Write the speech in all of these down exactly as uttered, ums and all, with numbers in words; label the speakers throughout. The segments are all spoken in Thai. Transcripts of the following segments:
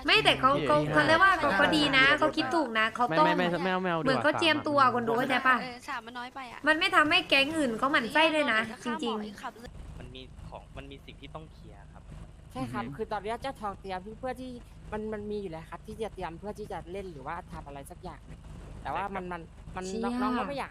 Speaker 1: ไม่แต่เขาเขาเขาเรียกว่าเขาเขาดีนะเขาคิดถูกนะเขา
Speaker 2: ไม่
Speaker 1: ต้อง
Speaker 2: ไม่ไม่ไม่เอาไม่เอา
Speaker 1: เหมือนเขาเจียมตัวคนดูเข้าใจปะ
Speaker 3: เออสามมันน้อยไปอ่ะ
Speaker 1: มันไม่ทำให้แก๊งอื่นเขาหมั่นไส้ด้วยนะ จริง
Speaker 4: มันมีของมันมีสิ่งที่ต้องเคลียร์ครับ
Speaker 5: ใช่ครับคือตอนนี้เจ้าทองเตรียมเพื่อที่มันมันมีอยู่แล้วครับที่จะเตรียมเพื่อที่จะเล่นหรือว่าทำอะไรสักอย่างหนึ่งแต่ว่ามันมันมัน
Speaker 1: เชี่ย
Speaker 5: น้องๆก็ไม่อยาก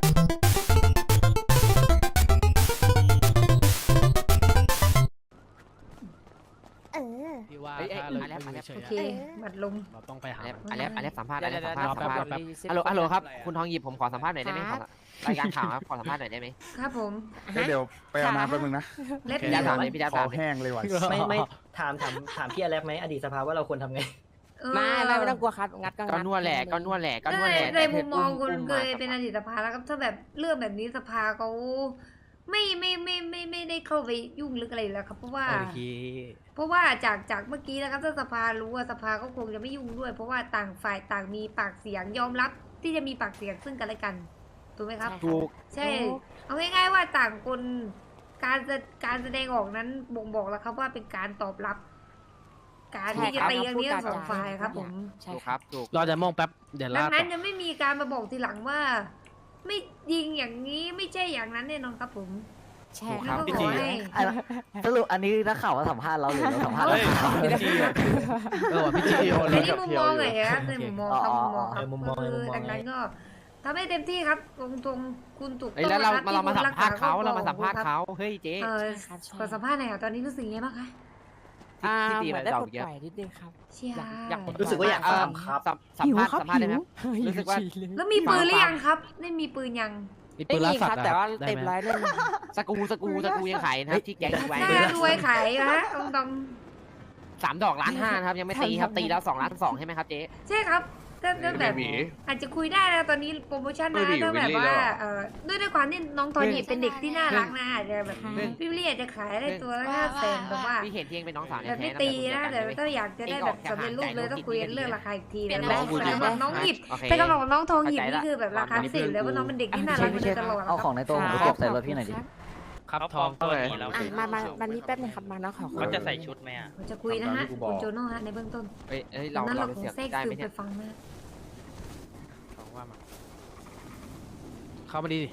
Speaker 6: เออ
Speaker 2: พี่ว่า
Speaker 5: เอ้ยเอ้ย
Speaker 2: ถ้าเรา
Speaker 5: อะไร
Speaker 2: อยู่
Speaker 5: อะไร
Speaker 2: เฉ
Speaker 1: ๆ
Speaker 2: ย
Speaker 1: โอ
Speaker 2: ๆ
Speaker 1: เค
Speaker 2: อะ
Speaker 1: บัดลม
Speaker 2: เราต้องไปหา
Speaker 5: อันนี้อันนี้สัมภาษณ์อันนี้สัมภาษณ์
Speaker 2: เดี๋ยว
Speaker 5: สัมภาษณ์
Speaker 2: เดี๋ยว
Speaker 5: สัมภาษณ์
Speaker 2: แป๊บ
Speaker 5: ฮัลโหลฮัลโหลครับคุณทองหยิบผมขอสัมภาษณ์หน่อยได้ไหม
Speaker 6: ค
Speaker 5: ข
Speaker 6: รั
Speaker 5: อบ รายการข่าวครับขอสัมภาษณ์หน่อยได้ไหม
Speaker 1: ครับผม
Speaker 7: เฮ้ยเดี๋ยวไปเอาน้ำแป๊บนึงนะ
Speaker 1: เล็บ
Speaker 5: พี่ดาวถามเลยพี่ดาว
Speaker 7: ค
Speaker 5: ถา
Speaker 7: อ
Speaker 5: มเลย
Speaker 7: แห้งเลยว่ะ
Speaker 8: ไม่ไม่ถามถามถามพี่อเล็กไหมอดีตสภาว่าเราควรทำไง
Speaker 1: เออ
Speaker 5: ไม่ไม่ไม่ต้องกลัวครับงัดก็ ก็งัดนวดแหละก็นวดแหละก็นวด
Speaker 1: ใน
Speaker 5: แหละ
Speaker 1: ในมุมมองคุณ
Speaker 5: อุ้
Speaker 1: เคย
Speaker 5: มา
Speaker 1: เป็นอดีตสภาแล้วครับถ้าแบบเรื่องแบบนี้สภาเขาไม่ไม่ไม่ไม่ไม่ได้เข้าไปยุ่งลึกอะไรอยู่แล้วครับเพราะว่า
Speaker 2: โอเค
Speaker 1: เพราะว่าจากจากเมื่อกี้นะครับถ้าสภารู้ว่าสภาก็คงจะไม่ยุ่งด้วย เพราะว่าต่างฝ่ายต่างมีปากเสียงยอมรับที่จะมีปากเสียงซึ่งกันและกันถูกไหมครับ
Speaker 5: ถูก
Speaker 1: ใช่ เอาง่ายๆว่าต่างคนการจะการแสดงออกนั้นบ่งบอกแล้วครับว่าเป็นการตอบรับ การที่จะตีกันนี้ทั้งสองฝ่ายครับผม
Speaker 5: ใช่ครับถูก
Speaker 2: เราจะมองแป๊บเดี๋ยว
Speaker 1: ดั
Speaker 2: ลาง ก
Speaker 1: นั้นจะไม่มีการมาบอกทีหลังว่า ไม่ยิงอย่างนี้ไม่ใช่อย่างนั้นแน่นอนครับผม
Speaker 5: ใช่
Speaker 1: แล้ว
Speaker 5: ครับ
Speaker 1: ก็
Speaker 5: พี่
Speaker 1: ข
Speaker 5: จี
Speaker 1: อให้
Speaker 9: สรุปอันนี้นักข่าวมาสัมภาษณ์เราหรือเราสัมภาษณ์
Speaker 2: เฮ้ย
Speaker 9: เรา
Speaker 2: พี่จีอะเออพี่จีโอ
Speaker 1: ใน
Speaker 2: เลย
Speaker 1: นี้มุมมองเลยครับในมุมมองครับมุมมองครับ
Speaker 8: เออมุมมอง
Speaker 1: คือ
Speaker 8: มุมมอง
Speaker 1: ดังนั้นก็ทำให้เต็มที่ครับตรงตรงๆคุณถูก
Speaker 5: เฮ้ย
Speaker 1: ต้อง
Speaker 5: แล้วเรา
Speaker 1: นะครับ
Speaker 5: เรามา
Speaker 1: ที่
Speaker 5: สัมภาษณ์เขา
Speaker 1: คุณ
Speaker 5: เรา
Speaker 1: ก
Speaker 5: มาสัมภาษณ์
Speaker 1: ครับ
Speaker 5: เขาเฮ้ยเจ๊
Speaker 1: เออ
Speaker 5: ใช่ครับ
Speaker 1: ขอสัมภาษณ์หน่อยค่ะตอนนี้รู้สึกยังไงบ้างคะ
Speaker 5: อ่า
Speaker 9: พี่ตี
Speaker 5: เห
Speaker 9: ไป
Speaker 5: มือนได้
Speaker 9: ดอ
Speaker 5: ป
Speaker 9: ก
Speaker 5: ลด
Speaker 9: เยอะ
Speaker 5: ปล่อยนิดนึงครับ
Speaker 1: เชียร์
Speaker 5: อยากอยากปลด
Speaker 8: รู้สึกว่าอยาก
Speaker 5: เ
Speaker 8: ถามครับ
Speaker 5: สัมสัมภาษณ์สัมภาษณ์ได้ไหมครับรู้สึกว่า
Speaker 1: แล้วมีปืนหรือยังครับได้มีปืนยัง
Speaker 2: มี
Speaker 5: ไม่
Speaker 2: ปืนล่า
Speaker 5: มี
Speaker 2: สัต
Speaker 5: ครับ
Speaker 2: ว์อะ
Speaker 5: แต่ว่า
Speaker 2: ได้
Speaker 5: เต็ม
Speaker 2: ไหม
Speaker 5: ร้อยเล่นสกรูสกรูสกรูยังขายนะครับที่แก๊งไว้
Speaker 1: น่ารวยขายนะฮะตรงตรง
Speaker 5: สามดอกล้านห้านะครับยังไม่ตีครับตีแล้วสองล้านสองใช่ไหมครับเจ๊
Speaker 1: ใช่ครับถ้าถ้าแบบอาจจะคุยได้นะตอนนี้โปรโมชั่นนะถ้าแบบว่าเออด้วยด้วยความที่น้องทอนนี่เป็นเด็กที่น่ารักนะอาจจะแบบพี่เรียจะขายได้ตัวละห้าแสนแบบว่า
Speaker 5: พี่เห็นเพียงเป็นน้องสาว
Speaker 1: แบ
Speaker 5: แท้
Speaker 1: บ
Speaker 5: ๆ
Speaker 1: ไม่ตีนะแต่ถ้าอยากจะได้แบบสำเร็จรูปเลยต้องคุยกันเรื่องราคาอีกทีนะแต่สำหรับน้องหยิบแต่สำหรับน้องทองหยิบนี่คือแบบราคาพิเศษเลยว่าน้องเป็นเด็กที่น่ารักมาโดยตลอด
Speaker 9: เอาของในตัวผมไปเก็บใส่รถพี่หน่อยดิ
Speaker 2: ครับ
Speaker 4: เขา
Speaker 2: ท
Speaker 4: ปล
Speaker 2: อ
Speaker 4: อง มตัวนี้แล้ว
Speaker 5: อ่ะมามามานี่แป๊บนึงครับมาน้องขอ
Speaker 4: เขาจะใส่ชุดไหมอ่ะ
Speaker 1: ผมจะคุยนะฮะคุณโจโน่ฮะในเบื้องต้น
Speaker 5: เอ้ยเอ้ยเรา
Speaker 1: นั้น
Speaker 5: เรา
Speaker 1: เรา
Speaker 5: ไป
Speaker 1: คง
Speaker 5: เสียบ
Speaker 1: แทรก
Speaker 5: ได้
Speaker 1: ซึ
Speaker 5: ไหม
Speaker 1: ม
Speaker 5: เนี่
Speaker 1: ไป
Speaker 5: ย
Speaker 1: ฟังนะ
Speaker 2: ทองว่ามาเข้ามาดีดิ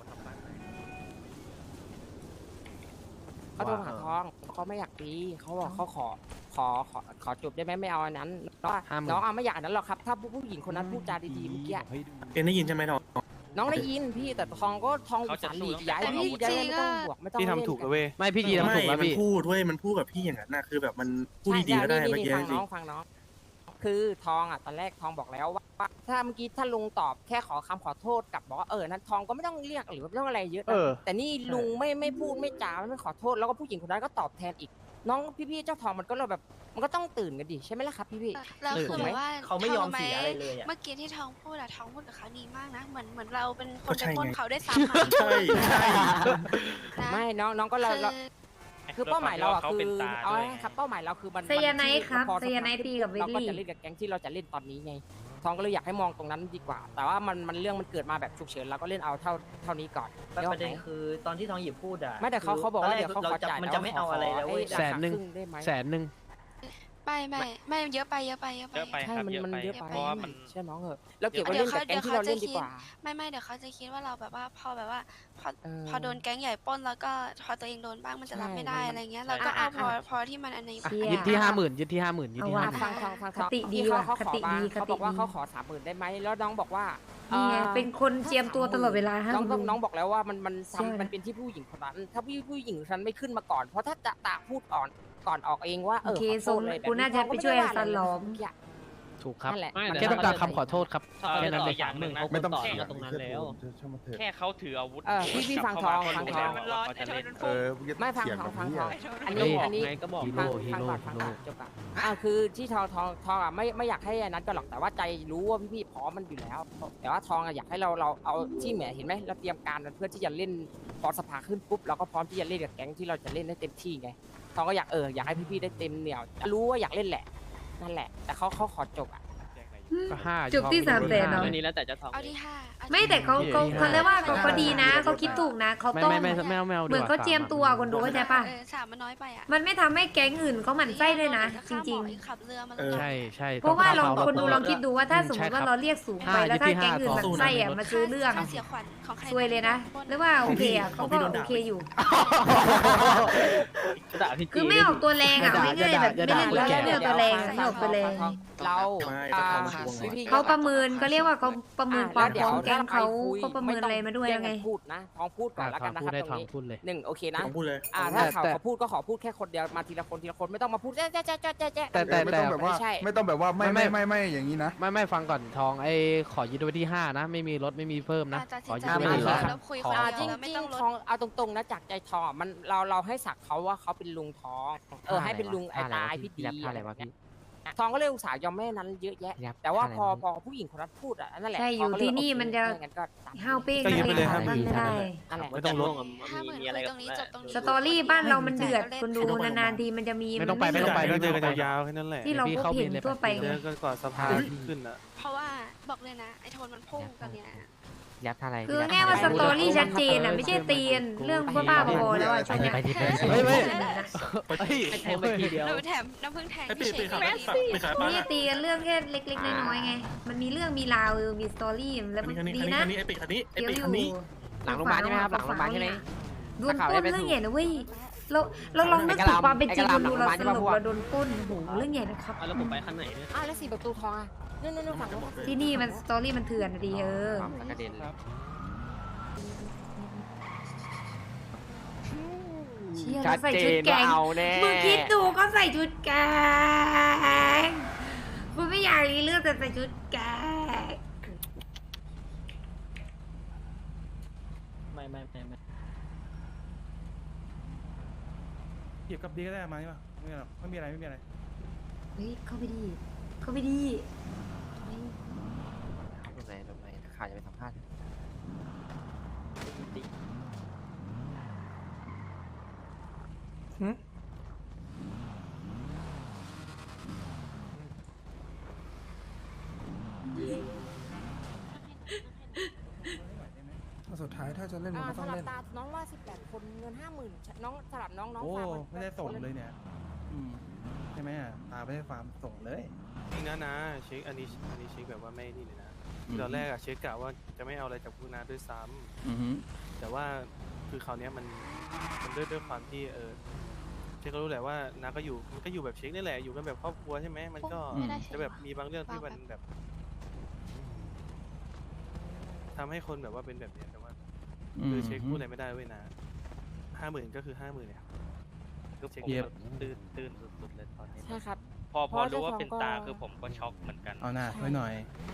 Speaker 5: เขาโทรหาทองเขาไม่อยากตีเขาบอกเขาขอขอขอขอจบได้ไหมไม่เอาอันนั้นน้องน้องเอาไม่อยากอันนั้นหรอกครับถ้าผู้หญิงคนนั้นพูดจาดีๆเมื่อกี้
Speaker 7: เอ็นได้ยินใช่ไหมทอง
Speaker 5: น้องได้ยินพี่แต่ทองก็ทองอุตส่าห์หลีกย้ายพี่ได้ไม่ต้องบวกไม่ต้อง
Speaker 7: พี่ทำถูกแล้วเว้ย
Speaker 2: ไม่พี่จีทำถูกแล้ว
Speaker 7: มัน
Speaker 2: พี่
Speaker 7: พูดเว้ยมันพูดกับพี่อย่างนั้นนะคือแบบมันพูดดีๆก็ได้
Speaker 5: ใช่
Speaker 7: เมื่อกี้
Speaker 5: ฟัง
Speaker 7: จริ
Speaker 5: น้
Speaker 7: ง
Speaker 5: องฟังน้องคือทองอ่ะตอนแรกทองบอกแล้วว่าถ้าเมื่อกี้ถ้าลุงตอบแค่ขอคำขอโทษกับบอกว่าเออนั้นทองก็ไม่ต้องเรียกหรือว่าไม่ต้องอะไรเยอะ
Speaker 2: เอ
Speaker 5: นะ
Speaker 2: อ
Speaker 5: แต่นี่ลุงไม่ไม่พูดไม่จาไม่ขอโทษแล้วก็ผู้หญิงคนนั้นก็ตอบแทนอีก น้องพี่ๆเจ้าทองมันก็เลยแบบมันก็ต้องตื่นกันดิใช่ไหมล่ะครับพี่
Speaker 3: แล้วคือแบบว่า
Speaker 8: เขาไม่ยอมเสียอะไรเลยอ่ะ
Speaker 3: เมื่อกี้ที่ทองพูดอะทองพูดกับเขาดีมากนะ เหมือนเหมือนเราเป็นคนไปปล้นเขาได้ซ้ำอะ
Speaker 7: ๆใช่ใช่
Speaker 3: นะ
Speaker 5: ๆไม่น้องน้องก็เราเรา
Speaker 3: คือ
Speaker 5: คือเป้าหมายเราอ่ะ
Speaker 4: เขา
Speaker 5: คื
Speaker 4: เป็น
Speaker 5: อ
Speaker 4: ตา
Speaker 5: เอา
Speaker 4: ด้วย
Speaker 5: ไว้ครับเป้าหมายเราคือมัน
Speaker 1: ไซยาไนท์ครับ
Speaker 5: พอ
Speaker 1: ไซยาไนท์ตีกับวิล
Speaker 5: เราก็
Speaker 1: ลี่
Speaker 5: จะเล่นกับแก๊งที่เราจะเล่นตอนนี้ไงทองก็เลยอยากให้มองตรงนั้นดีกว่า แต่ว่ามันมันเรื่องมันเกิดมาแบบฉุกเฉินเราก็เล่นเอาเท่าเท่านี้ก่อน
Speaker 8: แต่ประเด็นคือตอนที่ทองหยิบพูดอ่ะ
Speaker 5: ไม่แต่เขาเขาบอกว่าเดี๋ยวเขา
Speaker 8: เรา
Speaker 5: ขอ
Speaker 8: จะ
Speaker 5: จ่าย
Speaker 8: มันจะไม่เอาอะไรแล้วเว้ย
Speaker 2: แสนหนึ่ง
Speaker 5: ครึ่ได้ไหม
Speaker 2: แสนหนึ่ง
Speaker 3: ไม่ไม่ไม่เยอะไปเยอะไปเยอะไป
Speaker 4: เยอะไป
Speaker 5: ใช่
Speaker 4: ครับ
Speaker 5: มัน
Speaker 4: เยอะ
Speaker 5: มัน
Speaker 4: ไป
Speaker 5: เยอะไป
Speaker 4: เพราะว่ามัน
Speaker 5: เชื่อน้องเหอะเราเก็บไว้เล่นกับแก๊งที่เราเล่นดีกว่า
Speaker 3: ไม่ไม่เดี๋ยวเขาจะคิดว่าเราแบบว่าพอแบบว่าพอ
Speaker 5: เออ
Speaker 3: พอโดนแก๊งใหญ่ปล้นแล้วก็พอตัวเองโดนบ้างมันจะรับ
Speaker 5: ใช่
Speaker 3: ไม่ได้
Speaker 5: มัน
Speaker 3: อะไรเงี้ยเราก็เอา
Speaker 1: อ่ะ
Speaker 3: พอ
Speaker 1: อ่ะ
Speaker 3: พอที่มันอันนี้
Speaker 1: เชี่ย
Speaker 2: ยึดที่ห้าหมื่นยึดที่ห้าหมื่นยึดที่
Speaker 1: เอา
Speaker 2: ห้า
Speaker 1: ว่ะ
Speaker 2: หมื่น
Speaker 5: ฟังฟังฟัง
Speaker 1: คติดี
Speaker 5: ที่เขา
Speaker 1: ว่ะ
Speaker 5: เขา
Speaker 1: ค
Speaker 5: ขอ
Speaker 1: ติ
Speaker 5: มา
Speaker 1: ดี
Speaker 5: เขาบอกว่า
Speaker 1: คติดี
Speaker 5: เขาขอสามหมื่นได้ไหมแล้วน้องบอกว่า
Speaker 1: นี่ไง
Speaker 5: อ่อ
Speaker 1: เป็นคนเจียมตัวตลอดเวลาฮะ
Speaker 5: น้อง
Speaker 1: คุณ
Speaker 5: ต้อง
Speaker 1: ลุง
Speaker 5: น้องบอกแล้วว่ามันมัน
Speaker 1: เชื่อ
Speaker 5: ทำมันเป็นที่ผู้หญิงคนนั้น ถ้าผู้ผู้หญิงคนนั้นไม่ขึ้นมาก่อน เพราะถ้าจะตะพูดก่อนก่อนออกเองว่าเอ
Speaker 1: โอ
Speaker 5: อ
Speaker 1: เค
Speaker 5: ขอโท
Speaker 1: ส่ง
Speaker 5: ษเลยแบบ
Speaker 1: กูน่าจะไปช่วย
Speaker 5: เขาก็
Speaker 1: ซั
Speaker 5: ม่
Speaker 1: น
Speaker 5: ได้
Speaker 1: ล้
Speaker 5: ว่า
Speaker 1: อ
Speaker 5: อะไร
Speaker 1: ม
Speaker 5: เลย
Speaker 2: ถูกครับ
Speaker 5: นั่นแหละ
Speaker 2: มัน
Speaker 5: มัน
Speaker 2: แค่ต้องการคำขอโทษครับ
Speaker 4: เออ
Speaker 2: แค่นั้น
Speaker 4: ต่
Speaker 2: เล
Speaker 4: อย อย่างหนึ่งนะ
Speaker 7: ไม่ต้อง
Speaker 4: แค่
Speaker 7: เสียง
Speaker 4: ตรงนั้นแล้ว
Speaker 7: ช่างมันเถอะ
Speaker 4: แค่เขาถืออาวุธ
Speaker 5: เออพี่พี่ฟังทองฟังทอง
Speaker 4: เขาจะเล่น
Speaker 7: เออ
Speaker 5: ไม่ฟัง
Speaker 7: เสีย
Speaker 5: ทอง
Speaker 7: แบบ
Speaker 5: ฟัง
Speaker 7: นี้
Speaker 5: ทอง
Speaker 7: อะ
Speaker 5: อัน
Speaker 2: เฮ้
Speaker 5: นี้
Speaker 2: ย
Speaker 5: อันนี้
Speaker 2: ไงก็บอก
Speaker 5: ฟัง
Speaker 2: ฮี
Speaker 5: ฟัง
Speaker 2: โร่
Speaker 5: ก่อนฟัง
Speaker 2: ฮีโร่
Speaker 5: ก่อนจบก่อนอ่าคือที่ทองทองทองอ่ะไม่ไม่อยากให้อันนั้นก็หรอกแต่ว่าใจรู้ว่าพี่ๆพร้อมมันอยู่แล้ว แต่ว่าทองอ่ะอยากให้เราเราเอาที่เหมือนเห็นไหมเราเตรียมการเพื่อที่จะเล่นพอสภาขึ้นปุ๊บเราก็พร้อมที่จะเล่นกับแก๊งที่เราจะเล่นได้เต็มที่ไงทองก็อยากเอออยากให้พี่ๆได้เต็มเหนียวรู้ว่าอยากเล่นแหละนั่นแหละ แต่เขาเขาขอจบอ่ะ
Speaker 2: ก็ห้า
Speaker 1: จุกที่สามแสนเนอะ
Speaker 4: เรื่องนี้แล้วแต่จะทอง
Speaker 3: เอาที่ห้าเอาที่
Speaker 1: ไม่แต่เขาเขาเขาเรียกว่าเขาเขาดีนะเขาคิดถูกนะเขา
Speaker 2: ไม่
Speaker 1: ต้อง
Speaker 2: ไม่ไม่ไม่เอาไม่เอา
Speaker 1: เหมือนเขาเจียมตัวคนดูเข้าใจปะ
Speaker 3: เออสามมันน้อยไปอ่ะ
Speaker 1: มันไม่ทำให้แก๊งอื่นเขาหมั่นไส้ด้วยนะ จริง
Speaker 3: ๆขับเรือมา
Speaker 7: เออ
Speaker 2: ใช่ใช่
Speaker 1: ๆ เพราะว่าลอง
Speaker 2: ต้
Speaker 1: คนดูลองคิดดูว่าถ้า
Speaker 2: อืม
Speaker 1: สมมติ
Speaker 2: ใช่ครั
Speaker 1: ว่า
Speaker 2: บ
Speaker 1: เราเรียกสูงไป
Speaker 2: ห้า
Speaker 1: แล้วถ้า
Speaker 2: อยู่ที่
Speaker 1: แก๊งอื่นห
Speaker 2: ห้า
Speaker 1: มั่นไส้อะมาซื้อเรื่อง
Speaker 3: ค่าเสียขวัญของใคร
Speaker 1: ซวยเลยนะหรือว่าโอเคอะ
Speaker 7: ข
Speaker 1: เขา
Speaker 7: องพี่
Speaker 1: ก็
Speaker 7: โดน
Speaker 1: โอ
Speaker 7: ด่า
Speaker 1: เคอยู่
Speaker 4: ด่าพี่
Speaker 1: คือ
Speaker 4: จี
Speaker 1: ไม่ออกตัวแรงอะไม่ง่ายแบบ
Speaker 2: อย่า
Speaker 1: ไม่
Speaker 2: ด่า
Speaker 1: เล่น
Speaker 2: อย่าด่า
Speaker 1: ไม่ออกตัวแรงอะไม่ออกตัวแรง
Speaker 5: เรา
Speaker 7: ไม่
Speaker 5: อ่า
Speaker 7: ก็ทำมาทวงไง
Speaker 5: พี่ๆ
Speaker 1: เขาประเมินก็เรียกว่าเขาประเมินความ
Speaker 5: อ่ะ
Speaker 1: พร้อมแก๊งเขา
Speaker 5: ดี๋ยว
Speaker 1: เขาประเมินอะไรมาด้วย
Speaker 5: แย่
Speaker 1: ยังไง
Speaker 5: กันพูดนะทองพูดก่อนแล้วกันนะ
Speaker 2: พู
Speaker 5: ค
Speaker 2: ด
Speaker 5: รับ
Speaker 2: ได้
Speaker 5: ต
Speaker 2: ท
Speaker 5: ร
Speaker 2: อง ง
Speaker 5: นี้
Speaker 2: พูดเลย
Speaker 5: หนึ่งโอเคนะ
Speaker 7: ต้องพูดเลย
Speaker 5: อ่าถ้า
Speaker 2: แต่
Speaker 5: เขา
Speaker 2: แต่
Speaker 5: เขาพูดก็ขอพูดแค่คนเดียวมาทีละคนทีละคนไม่ต้องมาพูดแจ๊ะแจ๊ะแจ๊ะแจ๊ะแจ๊ะแจ๊ะ
Speaker 2: แต่แต่
Speaker 10: ไม่
Speaker 2: แต่
Speaker 10: ต้องแบบว่า
Speaker 5: ไม่ใช่
Speaker 10: ไม่ต้องแบบว่าไม่
Speaker 2: ไม่
Speaker 10: ไม่
Speaker 2: ไม่
Speaker 10: ไม่ไม่อย่างนี้นะ
Speaker 2: ไม่ไม่ฟังก่อนทองไอ้ขอยึดไว้ที่ห้านะ ไม่มีลดไม่มีเพิ่มนะ
Speaker 3: ตัด
Speaker 2: ข
Speaker 3: สิ
Speaker 2: อน
Speaker 3: ใจ
Speaker 2: ยึดไว้
Speaker 3: ไม่
Speaker 2: ที่
Speaker 3: ได้
Speaker 2: ห้า
Speaker 3: แล้วคุย
Speaker 2: ขอ
Speaker 3: คน
Speaker 5: อ่า
Speaker 3: เดี
Speaker 5: จ
Speaker 3: ยว
Speaker 5: ริง
Speaker 3: แล้วไม่
Speaker 5: จริง
Speaker 3: ต้องลด
Speaker 5: ทองเอาตรงๆนะจากใจทองมันเราเราให้สักเขาว่าเขาเป็นลุงทอง เออให้เป็นลุงไอ้ตายพี่ดีอะไรแบบเนี้ยทองก็เลยอุตส่าห์ยอมแม่นั้นเยอะแยะ แต่ว่าพอพอผู้หญิงคนนั้นพูดอ่ะนั่นแหละ
Speaker 1: ใช่อยู่
Speaker 5: ทงก็เล
Speaker 1: ที่นี่
Speaker 5: โอเค
Speaker 1: มันจะ
Speaker 5: งั้นก็ตาม
Speaker 1: ห้าวเป้ง
Speaker 7: ก็ยึดไปเลย
Speaker 1: นะ
Speaker 7: ห้าหมื่น
Speaker 1: ไม่ได้
Speaker 5: นั่นแหละ
Speaker 4: ไม่ต้องลด
Speaker 3: ห้าหมื่น
Speaker 4: มีอะไร
Speaker 3: คุย
Speaker 4: กับ
Speaker 3: ตรงนี้จบตรงนี้
Speaker 1: สตอรี่บ้านเรามันเดือดคนดูนานๆทีมันจะมี
Speaker 2: ไม่ต้องไปไม่ต้องไป
Speaker 7: ก็
Speaker 2: ไม่
Speaker 7: เจ
Speaker 2: ต้
Speaker 7: อ
Speaker 2: อง
Speaker 7: กัน
Speaker 2: ไป
Speaker 7: ยาวๆแค่นั้นแหละ
Speaker 1: ที่เราพบเห็นทั่วไป
Speaker 7: เจ
Speaker 1: ไง
Speaker 7: อกันก่อนสภาขึ้นอ่ะ
Speaker 3: เพราะว่าบอกเลยนะไอ้โทนมันพุ่งกันเนี่ย
Speaker 9: ยัดอะไร
Speaker 1: คือง่ายว่าสตอรี่ชัดเจนอ่ะไม่ใช่ตีนเรื่องบ้าๆบอๆแล้วอ่ะช่วงเนี้ย
Speaker 9: ไปดิไปดิ
Speaker 2: เฮ้ยเฮ้ย
Speaker 7: ไป
Speaker 2: เฮ้ย
Speaker 4: แทงไปทีเดียว
Speaker 3: หนูแถมน้ำผึ้งแทง
Speaker 7: ไอ้ปี
Speaker 3: พี่เฉ
Speaker 7: ปี
Speaker 3: ย
Speaker 7: ขา
Speaker 3: ไป
Speaker 7: ปีขาป้า
Speaker 1: นี่ตีกันเรื่องแค่เล็กๆน้อยๆไง มันมีเรื่องมีราวมีสตอรี่แล้ว
Speaker 7: คัน
Speaker 1: มัน
Speaker 7: นี้
Speaker 1: ดี
Speaker 7: คันนี้
Speaker 1: นะ
Speaker 7: คันนี้ไอ้ปีคันนี้ไอ้
Speaker 1: เดี๋ยว
Speaker 7: ปี
Speaker 1: อ
Speaker 7: คัน
Speaker 1: ยู่
Speaker 7: นี้
Speaker 5: หลังโรงพยาบาลใช่ไหมครับหลังโรงพยาบาลใช่ไหม
Speaker 1: โดนปล้นเรื่องใหญ่นะเว้ยเราเราลองนึกถึงความเป็นจริงดูเราสรุปเราโดนปล้นโอ้โหเรื่องใหญ่นะครับ
Speaker 4: แล้วผมไปคันไหนเนี่ย
Speaker 5: อ้าวแล้วสี่ประตูทองอ่ะนู่นนู่นนู่นฝั่งนู้น
Speaker 1: ที่นี่มันสตอรี่มันเถื่อนอะดีเออ
Speaker 5: กระเด็นเลย
Speaker 1: เชี่ย
Speaker 5: ชั
Speaker 1: เรา
Speaker 5: ด
Speaker 1: ใส่
Speaker 5: เจ
Speaker 1: ชุด
Speaker 5: น
Speaker 1: แก
Speaker 5: ว่าง เอาแน่
Speaker 1: มึงคิดดูก็ใส่ชุดแกงกูไม่อยากรีเรื่องแต่ใส่ชุดแกง
Speaker 8: ไม่ไม่ไม่ไม่
Speaker 7: หยิบกับดีก็ได้มาใช่ปะไม่หรอกไม่มีอะไรไม่มีอะไร
Speaker 1: เฮ้ยเข้าไปดีเข้าไปดี
Speaker 5: ลงไหนลงไหนข่าวจะไปสัมภาษณ์
Speaker 10: สุดท้ายถ้าจะเล่นมัน
Speaker 5: อ่า
Speaker 10: ก็ต้อง
Speaker 5: สลับ
Speaker 10: เล่น
Speaker 5: ตาน้องว่าสิบแปดคนเงินห้าหมื่นน้องสลับน้องน้อง
Speaker 7: โอ้
Speaker 5: ฝากน
Speaker 7: ไม่ได้ส่งเลยเนี่ยอืมใช่ไหมอ่ะตาไม่ได้ฟาร์มส่งเลย
Speaker 11: จริงนะนะเช็คอันนี้อันนี้เช็คแบบว่าไม่นี่เลยนะตอนแรกอะเช็คกะว่าจะไม่เอาอะไรจากพวกนาด้วยซ้ำแต่ว่าคือคราวเนี้ยมันมันด้วยด้วยความที่เออเช็คก็รู้แหละว่านาก็อยู่มันก็อยู่แบบเช็คนี่แหละอยู่กันแบบครอบครัวใช่ไหมมันก็
Speaker 3: ไม่ได้
Speaker 11: จะแบบมีบางเรื่องที่มันแบบทำให้คนแบบว่าเป็นแบบเนี้ยแต่ว่าคือเช็คพูดอะไรไม่ได้เว้ยนะห้าหมื่นก็คือห้าหมื่นเนี่ยก็เช็คแบบตื่นตื่นสุดๆเลยตอนนี้
Speaker 5: ใช่ครับ
Speaker 4: พอพอรู้ว่า
Speaker 5: เพราะ
Speaker 4: เป็น
Speaker 5: เจ้าของก็
Speaker 4: ตาคือผมก็ช็อกเหมือนกัน
Speaker 7: เอาหน้าไว้หน่อย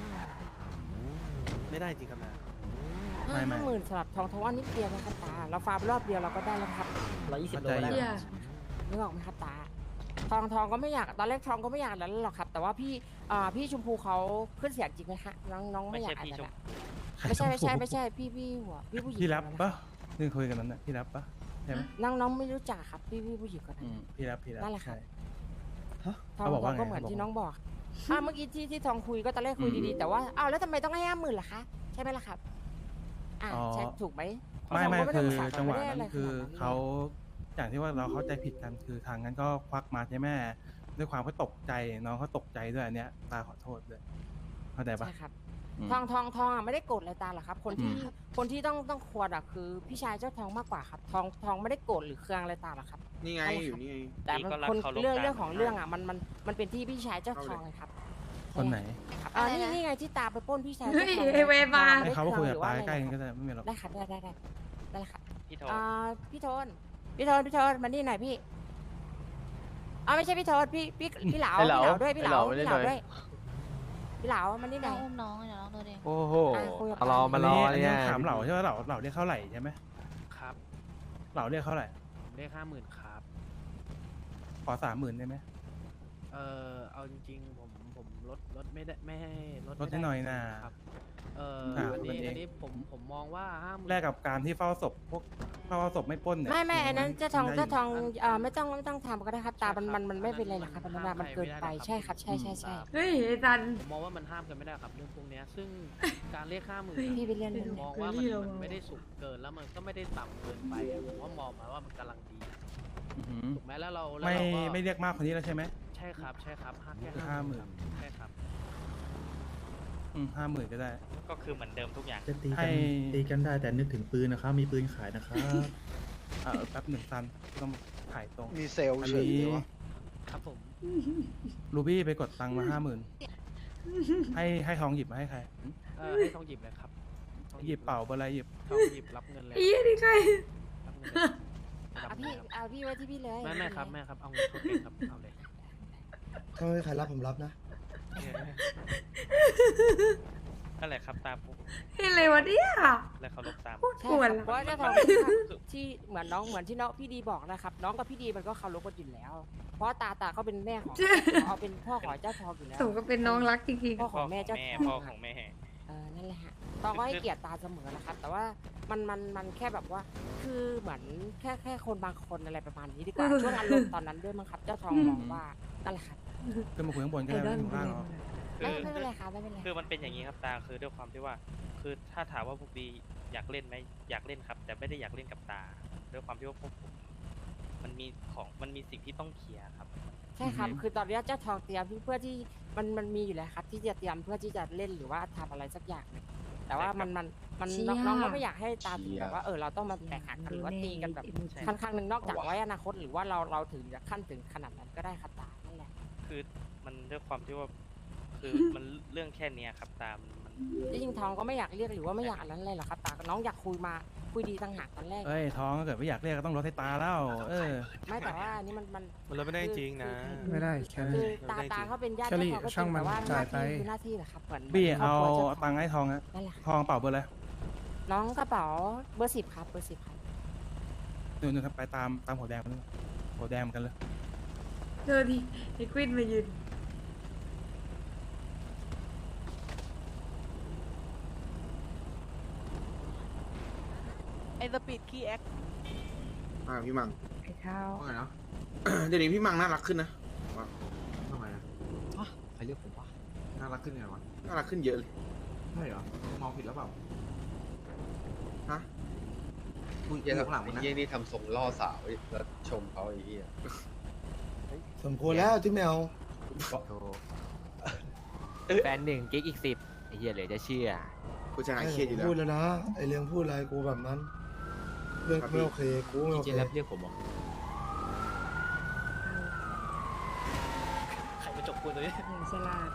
Speaker 7: ไม่ได้จริงครับนะ ไม่
Speaker 5: ห้า
Speaker 7: ไม่
Speaker 5: หมื่นสลับทองทว่านิดเดียวนะครับตาเราฟาร์มรอบเดียวเราก็ได้แล้วครับ
Speaker 8: ร้อยยี่สิบโล
Speaker 7: เข้าใจ
Speaker 8: ได้
Speaker 7: อยู่
Speaker 1: เชี่ย
Speaker 5: นึกออกไหมครับตา ทองทองก็ไม่อยากตอนแรกทองก็ไม่อยากแล้วหรอกครับ แต่ว่าพี่อ่าพี่ชมพูเขาขึ้นเสียงจริงไหมคะน้องน้องไม่
Speaker 4: ไม่
Speaker 5: อยา
Speaker 4: ใช่
Speaker 5: กอาจ
Speaker 4: พี่ช
Speaker 5: จะ
Speaker 4: ม
Speaker 5: ไม่ใช่ไม่ใช่ไม่ใช่พี่พี่หัวพี่ผู้หญิง
Speaker 7: พี่รับ
Speaker 5: คนนั้น
Speaker 7: ปะนี่คุยกันนั้นนะพี่รับปะใช่ไหม
Speaker 5: น้องน้องไม่รู้จักครับพี่พี่ผู้หญิงคนนั้น
Speaker 7: พี่รับพี่รับ
Speaker 5: นั่นแหละครับ
Speaker 7: ใช่
Speaker 5: ทอง
Speaker 7: เขาบอกว่า
Speaker 5: ทองก็
Speaker 7: ไง
Speaker 5: เหมือน
Speaker 7: เขาบอก
Speaker 5: ที่น้องบอกอ่าเมื่อกี้ที่ที่ทองคุยก็ตอนแรกคุยดีๆแต่ว่าอ้าวแล้วทำไมต้องให้ห้าหมื่นล่ะคะใช่ไหมล่ะครับอ่าใช่ถูกไหม
Speaker 7: ไม่ไม่
Speaker 5: ทงก็
Speaker 7: คือ
Speaker 5: ด้ภาษา
Speaker 7: จังหวะ
Speaker 5: ไม่ได้
Speaker 7: นั้
Speaker 5: ไร
Speaker 7: นคือ
Speaker 5: ขนดนั้น
Speaker 7: เขาอย่างที่ว่าเราเข้าใจผิดกันคือทางนั้นก็ควักมาใช่ไหมด้วยความเขาตกใจน้องเขาตกใจด้วยอันเนี้ยตาขอโทษด้วยเข้าใจปะ
Speaker 5: ใช่ครับ ทองทองทองอ่ะไม่ได้โกรธอะไรตาหรอกครับ คนที่คนที่ต้องต้องควรอ่ะคือพี่ชายเจ้าทองมากกว่าครับ ทองทองไม่ได้โกรธหรือเคืองอะไรตาหรอกครับ
Speaker 11: นี่ไง
Speaker 5: นั่นแหละ
Speaker 11: อยู่นี่ไง
Speaker 5: แต่มัน
Speaker 4: ก็รัก
Speaker 5: คน
Speaker 4: เคารพ
Speaker 5: เรื่อง
Speaker 4: กัน
Speaker 5: เรื่องของเรื่องอ่ะมันมันมันเป็นที่พี่ชายเจ้าทองเลยครับ
Speaker 7: คนไหน
Speaker 5: ครับอ่านี่นี่ไงที่ตาไปปล้นพี่ชาย
Speaker 1: เฮ้
Speaker 5: เจ้าย ทอง
Speaker 1: ไอ้เวมา
Speaker 5: ไม่
Speaker 7: ให้
Speaker 5: ได้
Speaker 7: เขามาคุยกับ
Speaker 5: หรือ
Speaker 7: ตา
Speaker 5: ว่า
Speaker 7: ใกล้ๆ
Speaker 5: อะ
Speaker 7: กัน
Speaker 5: ไร
Speaker 7: ก็ได้ไม่มีหรอก
Speaker 5: ได้ครับได้ได้ได้ได้ครับ
Speaker 4: พี่โท
Speaker 5: อ่าพี่โทนพี่โทนพี่โทนมานี่หน่อยพี่อ่าไม่ใช่พี่โทนพี่พี่พี่เหลา
Speaker 2: ไอ้
Speaker 5: พี่
Speaker 2: เหลา
Speaker 5: เหลาด้วยพี่เหลา
Speaker 2: ไอ้
Speaker 5: พี่
Speaker 2: เห
Speaker 5: เห
Speaker 2: ลา
Speaker 5: ลา
Speaker 2: ไม่ได้
Speaker 5: ด้วยพี่เหลามานี่หน่อย
Speaker 3: อุ้มน้องเดี๋ยวน้องโดนเอง
Speaker 2: โอ้โห
Speaker 5: อ่ะคุยกับ
Speaker 2: มารอมารอ
Speaker 7: อันนี้
Speaker 2: เนี่ย
Speaker 7: ถามเหล่าใช่ไหมเหล่าเหล่าเรียกเท่าไหร่ใช่ไหม
Speaker 2: ครับ
Speaker 7: เหล่าเรียกเท่าไหร่
Speaker 2: ผมเลขห้าหมื่นครับ
Speaker 7: ขอสามหมื่นได้ไหม
Speaker 2: เออเอาจริงๆผมผมลดลดไม่ได้ไม่ให้ลด
Speaker 7: ลดให้หน่อยนะ
Speaker 2: ครับเออ
Speaker 7: อ่ะ
Speaker 2: อัน
Speaker 7: ลด
Speaker 2: นี้
Speaker 7: เอง
Speaker 2: อันนี้ผมผมมองว่าห้าหมื่น
Speaker 7: แลกกับการที่เฝ้าศพพวกเฝ้าศพไม่ปล้นเนี่ย
Speaker 5: ไม่ไม่อันนั้นเจ้าทอง
Speaker 7: ได้ยู่
Speaker 5: เจ้าทองเอ่อไม่ต้องไม่ต้องทำก็ได้ครับตามันมันมันไม่เป็นไรหรอกครับมันมันเกินไปใช่ครับใช่ใช่ใช่
Speaker 1: เฮ้ยไอ้จัน
Speaker 2: ผมมองว่ามันห้ามกันไม่ได้ครับเรื่องพวกเนี้ยซึ่งการเรียกห้าหมื่น
Speaker 5: พี่ไปเรียน
Speaker 1: เฮ้
Speaker 5: เรื่อง
Speaker 2: มองว่ามันมันไม่ได้สูงเกินแล้วมันก็ไม่ได้ต่ำเกินไปอะผมว่ามองมาว่ามันกำลังดี
Speaker 7: อื้อหือ
Speaker 2: ถูกไหมแล้วเราแล้ว
Speaker 7: ไม่
Speaker 2: เราก็
Speaker 7: ไม่เรียกมากคนนี้แล้วใช่ไหม
Speaker 2: ใช่ครับใช่ครับห้าแค่
Speaker 7: ห้าหมื่น
Speaker 2: ใช่ครับ
Speaker 7: อืมห้าหมื่นก็ได้
Speaker 4: ก็คือเหมือนเดิมทุกอย่าง
Speaker 10: จะตี
Speaker 7: ให้
Speaker 10: กันตีกันได้แต่นึกถึงปืนนะครับ มีปืนขายนะครับ
Speaker 7: เออแป๊บหนึ่งซันต้องถ่ายตรง
Speaker 12: มีเซลล์
Speaker 7: อัน
Speaker 12: เฉย
Speaker 7: นี้
Speaker 12: เลยวะ
Speaker 2: ครับผม
Speaker 7: รูบี้ไปกดตังค์มาห้าหมื่นให้ให้ทองหยิบมาให้ใคร
Speaker 2: เออให้ทองหยิบเลยครับทอง
Speaker 7: หยิบเป่าเบอร์อะไรหยิบ
Speaker 2: ทองหยิบรับเงินเลย
Speaker 1: ไอ้เหี้ยนี่ใคร
Speaker 2: รับเงินเลยรับ
Speaker 5: เอา
Speaker 2: เงิ
Speaker 5: พี่
Speaker 2: นครับ
Speaker 5: เอาพี่ไว้ที่พี่เลย
Speaker 2: ไม่ไม่ครับแม่ครับเอาเงินเขาเก็บครับเอาเลย
Speaker 12: ถ้าไม่มีใครรับผมรับนะ
Speaker 4: นั่นแหละครับตามผม
Speaker 1: เฮ้ยอะไรวะเนี่ย
Speaker 4: และเคารพตาม
Speaker 1: พูด
Speaker 5: ใช่
Speaker 1: กวน
Speaker 5: ครับเพราะว่าเจ้าทองที่เหมือนน้องเหมือนที่น้องพี่ดีบอกนะครับ น้องกับพี่ดีมันก็เคารพกันอยู่แล้ว เพราะตาตาเขาเป็นแม่ของเอาเป็นพ่อของเจ้าทองอยู่แล้ว
Speaker 1: สมก็เป็นน้องรักจริง
Speaker 5: พ่อของแม่เจ้าท
Speaker 4: พ่อ
Speaker 5: อง
Speaker 4: ของแม่
Speaker 5: เออนั่นแหละฮะตองก็ให้เกียรติตาเสมอนะครับ แต่ว่ามันมันมันแค่แบบว่า คือเหมือนแค่แค่คนบางคนอะไรประมาณนี้ดีกว่า ช่วงอารมณ์ตอนนั้นด้วยมั้งครับ เจ้าทองมองว่านั่นแหละครับ
Speaker 7: ขึ้นมาคุยข้างบน
Speaker 1: ๆ
Speaker 7: ก็
Speaker 1: ไอ
Speaker 7: ได้
Speaker 1: ดอ
Speaker 7: ไม่
Speaker 1: ล
Speaker 7: ถึงล่างหรอก
Speaker 4: คื
Speaker 5: ไม่
Speaker 4: อ
Speaker 5: ไม่เป็นไรครับไม่เป็นไร
Speaker 4: คือมันเป็นอย่างนี้ครับตาคือด้วยความที่ว่า คือถ้าถามว่าพวกดีอยากเล่นไหมอยากเล่นครับ แต่ไม่ได้อยากเล่นกับตาด้วยความที่ว่าพวกผมมันมีของมันมีสิ่งที่ต้องเคลียร์ครับ
Speaker 5: ใช่ครับ คือตอนนี้เจ้าทองเตรียมเพื่อที่มันมันมีอยู่แล้วครับ ที่จะเตรียมเพื่อที่จะเล่นหรือว่าทำอะไรสักอย่างหนึ่งแต่ว่ามันมันมันน้องน้องก็ไม่อยากให้ตามถึงแบบว่าเออเราต้องมาแตกหักกันหรือว่าตีกันแบบขั้นข้างหนึ่งนอกจากไว้อนาคตหรือว่าเราเราถึงจะขั้นถึงขนาดนั้นก็ได้ครับตานั่นแหละ
Speaker 4: คือมันด้วยความที่ว่า คือมันเรื่องแค่เนี้ยครับตามมัน
Speaker 5: จริงๆทองก็ไม่อยากเรียกหรือว่าไม่อยากอันนั้นเลยหรอกครับตาน้องอยากคุยมาคุยดีต่างหากตอนแรก
Speaker 7: เอ้ยทองถ้าเกิดไม่อยากเรียกก็ต้องลดให้ตาแล้ว เออ
Speaker 5: ไม่แต่ว่าอันนี้มันมัน
Speaker 11: มันเราไม่ได้จริงนะ
Speaker 10: ไม่ได้แค่
Speaker 5: คือตาตาเขาเป็นญาติ
Speaker 10: แคลรี่
Speaker 5: เจ้าของก็จ
Speaker 10: ช่าง
Speaker 5: ริง
Speaker 10: มัน
Speaker 5: แต่ว่าห
Speaker 10: จ่า
Speaker 5: น้าย
Speaker 10: ไป
Speaker 5: ที่คือหน้าที่แหละครับเหมือน
Speaker 7: บี้
Speaker 5: คร
Speaker 7: เอา
Speaker 5: บครัวจ้
Speaker 7: ตังค์ให้ทองอะ
Speaker 5: นั่นแหละ
Speaker 7: ทองเป่าเบอร์อะไร
Speaker 5: น้องกระเป๋าเบอร์สิบครับเบอร์สิบครับ
Speaker 7: หนึ่งหนึ่งครับไปตามตามหัวแดงไปเลยหัวแดงเหมือนกันเลย
Speaker 1: เจอดิไอ้ควินมายืน
Speaker 3: ไอ้สปีดคีแอค
Speaker 12: อ่าพี่มัง
Speaker 1: ไอ้ข้าว
Speaker 12: ว่าไงเนาะ เดี๋ยวนี้พี่มังน่ารักขึ้นนะว่าทำไมอะ
Speaker 9: ใครเรียกผมวะ
Speaker 12: น่ารักขึ้นไงวะ น่ารักขึ้นเยอะเลย ใช่เหรอ มองผิดแล้วเปล่า ฮะคุยอยู่ข้างหลังมันนะ
Speaker 13: เยี่ยนี่ทำทรงล่อสาวแล้วชมเขาไอ้เหี้ย
Speaker 12: สมควรแล้วที่แมว
Speaker 9: แฟนหนึ่งกิ๊กอีกสิบไอ้เหี้ยเหลือจะเชื่อ
Speaker 12: กูจะหายเครียดอยู่แล้ว
Speaker 13: พูดแล้วนะ ไอเรื่องพูดอะไรกูแบบนั้น เรื่องไม่โอเค กูไม่โอเค
Speaker 9: เจนแล้วเรียกผมเหรอ
Speaker 4: ใครมาจบกูตัวนี้
Speaker 1: อย่างฉลาด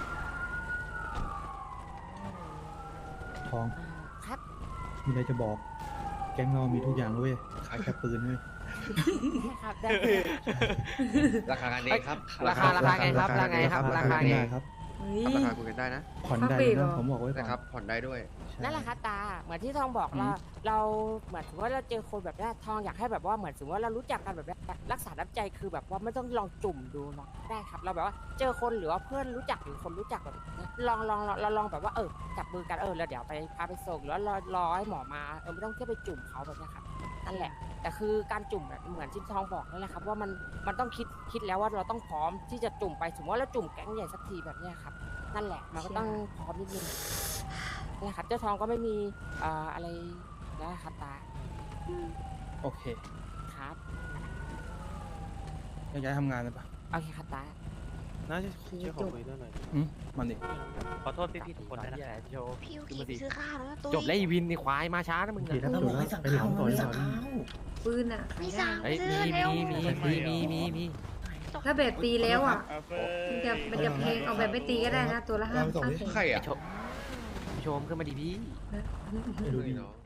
Speaker 10: ทอง
Speaker 5: ครับ
Speaker 10: มีอะไรจะบอก แก๊งเรามีทุกอย่างเลยเว้ยขายแค่ปืนเว้ย
Speaker 5: ใช่ครับได้
Speaker 13: ราคากันเองครับ
Speaker 5: ราคาราคาไงครับราคาไงครับราคาไง
Speaker 10: ได้ครับ
Speaker 1: เฮ้ย
Speaker 13: ราคาคุยกันได้นะ
Speaker 10: ผ่อนได้
Speaker 1: ฟักปีกเหร
Speaker 10: นะ
Speaker 1: อ
Speaker 10: ผมบอกไว้ก่
Speaker 13: นะ
Speaker 10: อน
Speaker 13: ครับ ผ่อนได้ด้วย
Speaker 10: ใช่
Speaker 5: นั่นแหละครับตาเหมือนที่ทองบอก
Speaker 7: อืม
Speaker 5: เราเราเหมือนถือว่าเราเจอคนแบบนี้ทองอยากให้แบบว่าเหมือนสมมติว่าเรารู้จักกันแบบนี้รักษาน้ำใจคือแบบว่าไม่ต้องลองจุ่มดูหรอกได้ครับ เราแบบว่าเจอคนหรือว่าเพื่อนรู้จักหรือคนรู้จักแบบนี้ลองลองเราลองแบบว่าเออจับมือกันเออแล้วเดี๋ยวไปพาไปส่งหรือว่ารอรอให้หมอมาเออไม่ต้องแค่ไปจุ่มเขาแบบนี้ครับนั่นแหละ แต่คือการจุ่มแบบเหมือนที่ทองบอกนั่นแหละครับว่ามันมันต้องคิดคิดแล้วว่าเราต้องพร้อมที่จะจุ่มไปสมมติว่าเราจุ่มแก๊งใหญ่สักทีแบบเนี้ยครับนั่นแหละมันก็ต้องพร้อมนิดนึงนั่นแหละครับเจ้าทองก็ไม่มีเอ่ออะไรนะครับตา
Speaker 7: โอเค
Speaker 5: ครับ
Speaker 7: ย้ายๆทำงานเลยปะ
Speaker 5: โอเคครับตา
Speaker 11: น่าจะช่วยขอคุยด้วยหน่อย
Speaker 7: อืมมันดิ
Speaker 4: ขอโทษพี่ๆทุกคนด้วยนะครับ
Speaker 3: พี่ยูกิไปซื้อข้าวแล้วนะตุ้ย
Speaker 9: จบแล้วอีวินในควายมาช้านะมึง
Speaker 10: โอเคถ้าจบแล้วไปหลังก่อนก่อน
Speaker 1: ปืนอ่ะ
Speaker 3: ไม่สั่ง
Speaker 9: เฮ้ย
Speaker 3: ซื้
Speaker 9: มี
Speaker 3: อเร็ว
Speaker 9: มีมีมีมีมีมี
Speaker 1: ถ้าแบบตีแล้วอ่ะ มันจะมันจะเพลงเอาแบบไม่ตีก็ได้นะ ตัวละห้าห้าแสน
Speaker 13: ใครอ่ะ
Speaker 9: โชว์โชมขึ้นมาดิพี่
Speaker 10: ไม่รู้ดิ
Speaker 13: เนาะ